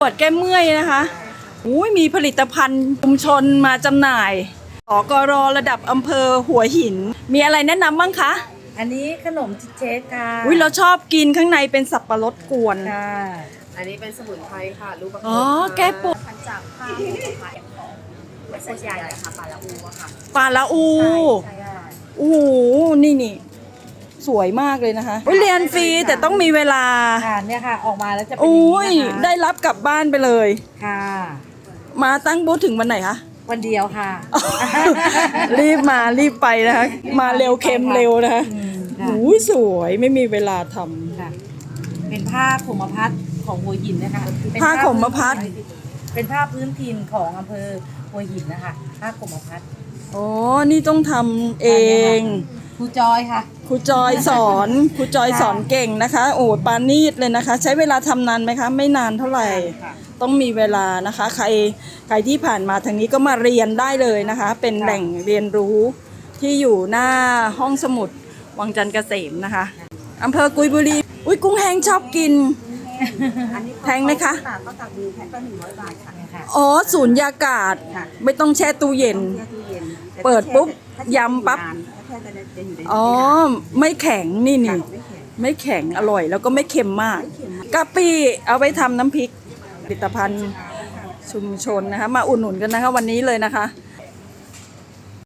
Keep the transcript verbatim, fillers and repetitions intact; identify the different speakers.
Speaker 1: ปวดแก้เมื่อยนะคะอุ้ยมีผลิตภัณฑ์ชุมชนมาจำหน่ายสกรระดับอำเภอหัวหินมีอะไรแนะนำบ้างคะ
Speaker 2: อันนี้ขนมชิเชสค่ะ
Speaker 1: อุ้ยเราชอบกินข้างในเป็นสับปะรดกวน
Speaker 2: ค่ะ
Speaker 3: อันนี้เป็นสมุนไพรค่ะลูกประคบ
Speaker 1: อ๋อแก้ปวด
Speaker 3: พันจากข้าวผัดของเส้นใหญ่ค่ะปลาละอูอะค่ะ
Speaker 1: ปลาละอูโอ้โหนี่นี่สวยมากเลยนะคะเรียนฟรีแต่ต้องมีเวลา
Speaker 2: ค่ะเนี่ยค่ะออกมาแล้วจะเป็น
Speaker 1: อุ้ย
Speaker 2: อย่างนี้นะคะ
Speaker 1: ได้รับกลับบ้านไปเลย
Speaker 2: ค่ะ
Speaker 1: มาตั้งบูธถึงวันไหนคะ
Speaker 2: วันเดียวค่ะ
Speaker 1: รีบมารีบไปนะคะมาเร็วเค็มเร็วนะคะโอ้ยสวยไม่มีเวลาทำ
Speaker 2: ค่ะเป็นผ้าขมพัดของหัวหินนะคะ
Speaker 1: ผ้าขมพัด
Speaker 2: เป็นผ้าพื้นถิ่นของอำเภอหัวหินนะคะผ้าขมพัด
Speaker 1: อ๋อนี่ต้องทำเอง
Speaker 2: ครูจอยค่ะ
Speaker 1: ครูจอยสอนครูจอยสอนเก่งนะคะโอ้ปานีตเลยนะคะ ใช้เวลาทำนานไหมคะไม่นานเท่าไหร่ต้องมีเวลานะคะใครใครที่ผ่านมาทางนี้ก็มาเรียนได้เลยนะคะเป็นแหล่งเรียนรู้ที่อยู่หน้าห้องสมุดวังจันทร์เกษมนะคะอำเภอกุยบุรีอุ้ยกุ้งแห้งชอบกินแพงไหมคะ
Speaker 3: ก็ตักดูแพ็คละหนึ่งร้อยบาทค่ะ
Speaker 1: อ๋อสูญญากาศไม่ต้องแช่ตู้เย็นเปิดปุ๊บยำปั๊บอ๋อไม่แข็งนี่นี่ไม่แข็งอร่อยแล้วก็ไม่เค็มมากกะปิเอาไปทำน้ำพริกผลิตภัณฑ์ชุมชนนะคะมาอุดหนุนกันนะคะวันนี้เลยนะคะ